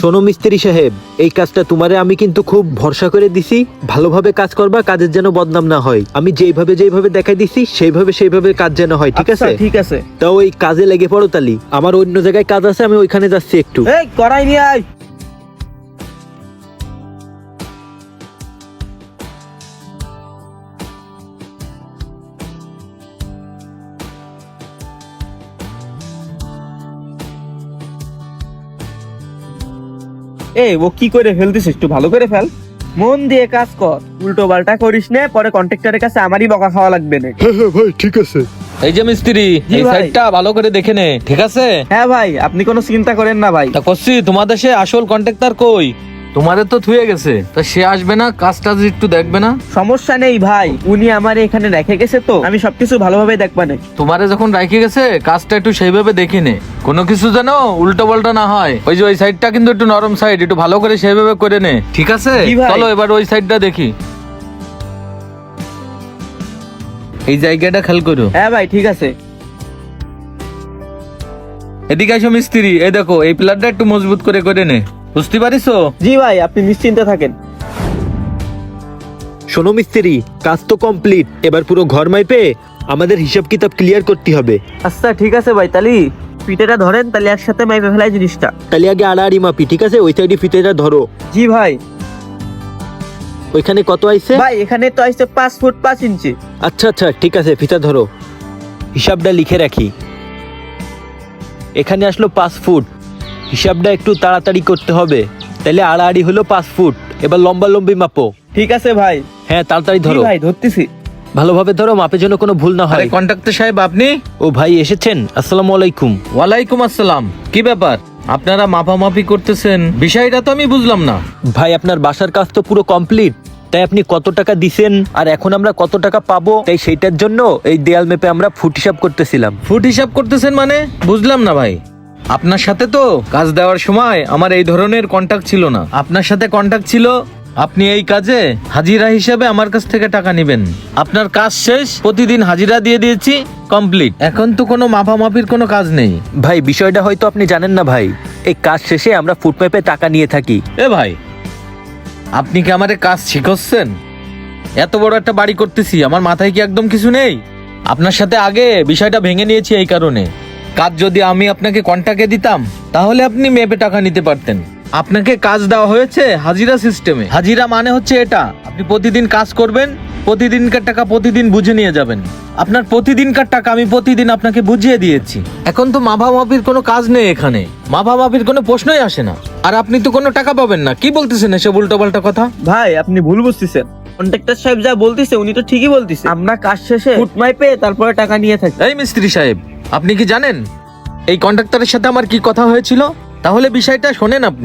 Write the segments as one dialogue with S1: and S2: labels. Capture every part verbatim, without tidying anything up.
S1: শোনো মিস্ত্রি সাহেব, এই কাজটা তোমারে আমি কিন্তু খুব ভরসা করে দিছি। ভালোভাবে কাজ করবা, কাজের যেন বদনাম না হয়। আমি যেইভাবে যেইভাবে দেখাই দিছি সেইভাবে সেইভাবে কাজ যেন হয়, ঠিক আছে?
S2: ঠিক আছে।
S1: তা ওই কাজে লেগে পড়ো তালি। আমার অন্য জায়গায় কাজ আছে, আমি ওইখানে যাচ্ছি একটু।
S2: এই করাই নিয়ে আয়। এই ও কি করে ফেলতিস, একটু ভালো করে ফেল, মন দিয়ে কাজ কর, উল্টো পাল্টা করিস না, পরে কন্ট্রাক্টরের কাছে আমারই বকা খাওয়া লাগবে না।
S1: হ্যাঁ হ্যাঁ ভাই, ঠিক আছে।
S3: এই যে মিস্ত্রি,
S2: জি
S3: এই
S2: ভাই।
S3: সাইডটা ভালো করে দেখে নে, ঠিক আছে?
S2: হ্যাঁ ভাই, আপনি কোনো চিন্তা করেন না ভাই।
S3: তা করছি, তোমাদের সে আসল কন্ট্রাক্টর কই? তোমাদের তো থুয়ে গেছে, তা সে আসবে না, কাজ টাজ একটু দেখবে না?
S2: সমস্যা নেই ভাই, উনি আমার এখানে রেখে গেছে, তো আমি সবকিছু ভালোভাবে দেখবানে।
S3: তোমারে যখন রাখে গেছে, কাজটা একটু সেইভাবে দেখে নে, কোনো কিছু যেন উল্টো পাল্টা না হয়। ওই যে ওই সাইডটা কিন্তু একটু নরম সাইড, একটু ভালো করে সেইভাবে করে নে, ঠিক আছে?
S2: জি ভাই।
S3: চলো এবার ওই সাইডটা দেখি। এই জায়গাটা খেয়াল করো।
S2: হ্যাঁ ভাই, ঠিক আছে।
S3: এদিকে আসো মিস্ত্রি, এই দেখো এই পিলারটা একটু মজবুত করে করে নে, বুঝতে পারিছো?
S2: জি ভাই, আপনি নিশ্চিন্তে থাকেন।
S1: শোনো মিস্ত্রি, কাজ তো কমপ্লিট। এবার পুরো ঘর মাইপে আমাদের হিসাব কিতাব ক্লিয়ার করতে হবে।
S2: আচ্ছা ঠিক আছে ভাই, তালি পিঠেটা ধরেন, তাহলে একসাথে মাইপে ফেলাই জিনিসটা।
S1: তাহলে আগে আড়াআড়ি মাপি, ঠিক আছে? ওই সাইডে ফিতেটা ধরো।
S2: জি ভাই।
S1: ওইখানে কত আইছে?
S2: ভাই এখানে তো আইছে পাঁচ ফুট পাঁচ ইঞ্চি।
S1: আচ্ছা আচ্ছা, ঠিক আছে, ফিতা ধরো। হিসাবটা লিখে রাখি। এখানে আসলো পাঁচ ফুট। হিসাবটা একটু তাড়াতাড়ি করতে হবে। তাহলে আড়াআড়ি হলো পাঁচ ফুট। এবার লম্বা লম্বি মাপো।
S2: ঠিক আছে ভাই।
S1: হ্যাঁ, তাড়াতাড়ি
S2: জি
S1: ধরো।
S2: ভাই, ধরতেছি।
S1: ভালোভাবে ধরো, মাপের জন্য কোনো ভুল না
S3: আরে
S1: হয়।
S3: কন্ট্রাক্টর সাহেব, আপনি?
S1: ও ভাই এসেছেন, আসসালামু আলাইকুম।
S3: ওয়ালাইকুম আসসালাম। কি ব্যাপার, আপনারা মাপামাপি করতেছেন? বিষয়টা তো আমি বুঝলাম না।
S1: ভাই আপনার বাসার কাজ তো পুরো কমপ্লিট, তাই আপনি কত টাকা দিছেন আর এখন আমরা কত টাকা পাবো, তাই সেইটার জন্য এই দেয়াল মেপে আমরা ফুট হিসাব করতেছিলাম।
S3: ফুট হিসাব করতেছেন মানে? বুঝলাম না ভাই। আপনার সাথে তো কাজ দেওয়ার সময় আমার এই ধরনের কন্টাক্ট ছিল না। আপনার সাথে কন্টাক্ট ছিল আপনি এই কাজে হাজিরা হিসেবে আমার কাছ থেকে টাকা নেবেন। আপনার কাজ শেষ, প্রতিদিন হাজিরা দিয়ে দিয়েছি, কমপ্লিট। এখন তো কোনো মাপামাপির কোনো কাজ নেই।
S1: ভাই বিষয়টা হয়তো আপনি জানেন না ভাই, এই কাজ শেষে আমরা ফুট মেপে টাকা নিয়ে থাকি।
S3: এ ভাই, আপনি কি আমারে কাজ শিখাচ্ছেন? এত বড় একটা বাড়ি করতেছি, আমার মাথায় কি একদম কিছু নেই? আপনার সাথে আগে বিষয়টা ভেঙে নিয়েছি এই কারণে। কাজ যদি আমি আপনাকে কন্টাক্টে দিতাম, তাহলে আপনি মেপে টাকা নিতে পারতেন। আপনাকে কাজ দেওয়া হয়েছে হাজিরা সিস্টেমে। হাজিরা মানে হচ্ছে এটা, আপনি প্রতিদিন কাজ করবেন, প্রতিদিনকার টাকা প্রতিদিন বুঝে নিয়ে যাবেন। আপনার প্রতিদিনকার টাকা আমি প্রতিদিন আপনাকে বুঝিয়ে দিয়েছি। এখন তো মাপামাপির কোনো কাজ নেই এখানে, মাপামাপির কোনো প্রশ্নই আসে না। আর আপনি তো কোনো টাকা পাবেন না। কি বলতেছেন এসব উল্টোপাল্টা কথা?
S2: ভাই আপনি ভুল বুঝতেছেন, কন্ট্রাক্টর সাহেব যা বলতিছে উনি তো ঠিকই বলতিছে। আমরা কাজ শেষে ফুট মাইপে তারপরে টাকা নিয়ে থাকি।
S3: এই মিস্ত্রি সাহেব, আপনি কি জানেন এই কন্ট্রাক্টরের সাথে আমার কি কথা হয়েছিল? তাহলে বিষয়টা শোনেন আপনি।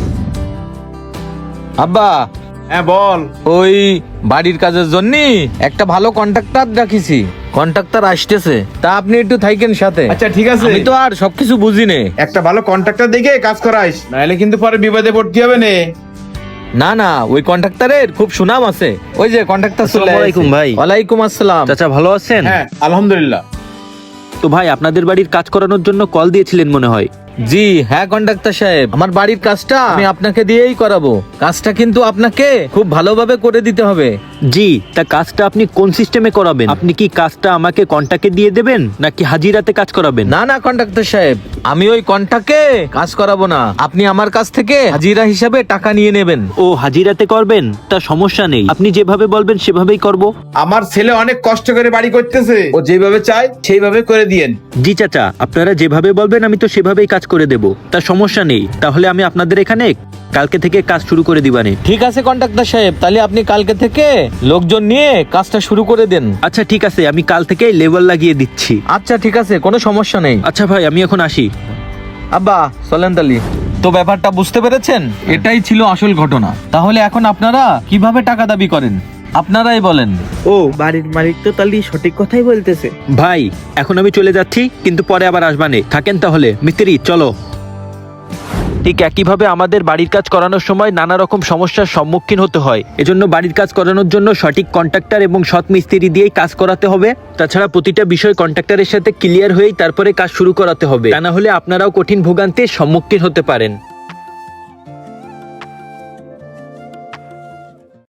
S3: আব্বা,
S4: হ্যাঁ বল।
S3: ওই বাড়ির কাজের জন্য একটা ভালো কন্ট্রাক্টর রাখিছি, কন্ট্রাক্টর আসতেছে, তা আপনি একটু থাকেন সাথে।
S4: আচ্ছা ঠিক আছে,
S3: আমি তো আর সবকিছু বুঝি নে।
S4: একটা ভালো কন্ট্রাক্টর দেখে কাজ করাইস, নাহলে কিন্তু পরে বিপদে পড়তে হবে নে।
S3: না না, ওই কন্ট্রাক্টরের খুব সুনাম আছে। ওই যে কন্ট্রাক্টর চলে
S1: আসসালামু আলাইকুম
S3: আইছে।
S1: ভাই।
S3: ওয়ালাইকুম আসসালাম।
S1: চাচা ভালো আছেন?
S4: হ্যাঁ আলহামদুলিল্লাহ।
S1: তো ভাই আপনাদের বাড়ির কাজ করানোর জন্য কল দিয়েছিলেন মনে হয়।
S3: জি হ্যাঁ কন্ট্রাক্টর সাহেব, আমার বাড়ির কাজটা আমি আপনাকে দিয়েই করাবো। কাজটা কিন্তু আপনাকে খুব ভালোভাবে করে দিতে হবে।
S1: জি, তা কাজটা আপনি কোন সিস্টেমে করাবেন? আপনি কি কাজটা আমাকে কন্টাক্টে দিয়ে দেবেন নাকি হাজিরাতে কাজ করাবেন?
S3: না না কন্ট্রাক্টর সাহেব, আমি ওই কন্ট্রাক্টে কাজ করাবো না। আপনি আমার কাছ থেকে হাজিরা হিসাবে টাকা নিয়ে নেবেন।
S1: ও হাজিরাতে করবেন, তা সমস্যা নেই, আপনি যেভাবে বলবেন সেভাবেই করব।
S4: আমার ছেলে অনেক কষ্ট করে বাড়ি করতেছে, ও যেভাবে চায় সেইভাবে করে দিয়েন।
S1: জি চাচা, আপনারা যেভাবে বলবেন আমি তো সেভাবেই কাজ করে দেব, তা সমস্যা নেই। তাহলে আমি আপনাদের এখানে কালকে থেকে কাজ শুরু করে দিবানে।
S3: ঠিক আছে কন্ট্রাক্টর সাহেব, তাহলে আপনি কালকে থেকে লোকজন নিয়ে কাজটা শুরু করে দেন।
S1: আচ্ছা ঠিক আছে, আমি কাল থেকে লেবেল লাগিয়ে দিচ্ছি।
S3: আচ্ছা ঠিক আছে, কোনো সমস্যা নেই।
S1: আচ্ছা ভাই, আমি এখন আসি।
S3: আব্বা চলেন তালি। তো ব্যাপারটা বুঝতে পেরেছেন, এটাই ছিল আসল ঘটনা। তাহলে এখন আপনারা কিভাবে টাকা দাবি করেন আপনারাই বলেন।
S2: ও বাড়ির মালিক তো তাহলে সঠিক কথাই বলতেছে।
S1: ভাই এখন আমি চলে যাচ্ছি, কিন্তু পরে আবার আসবানে। থাকেন তাহলে মিস্ত্রি, চলো। ঠিক একইভাবে আমাদের বাড়ির কাজ করানোর সময় নানা রকম সমস্যার সম্মুখীন হতে হয়। এজন্য বাড়ির কাজ করানোর জন্য সঠিক কন্ট্রাক্টর এবং সৎ মিস্ত্রি দিয়েই কাজ করাতে হবে। তাছাড়া প্রতিটা বিষয় কন্ট্রাক্টরের সাথে ক্লিয়ার হয়েই তারপরে কাজ শুরু করাতে হবে, তা না হলে আপনারাও কঠিন ভোগান্তির সম্মুখীন হতে পারেন।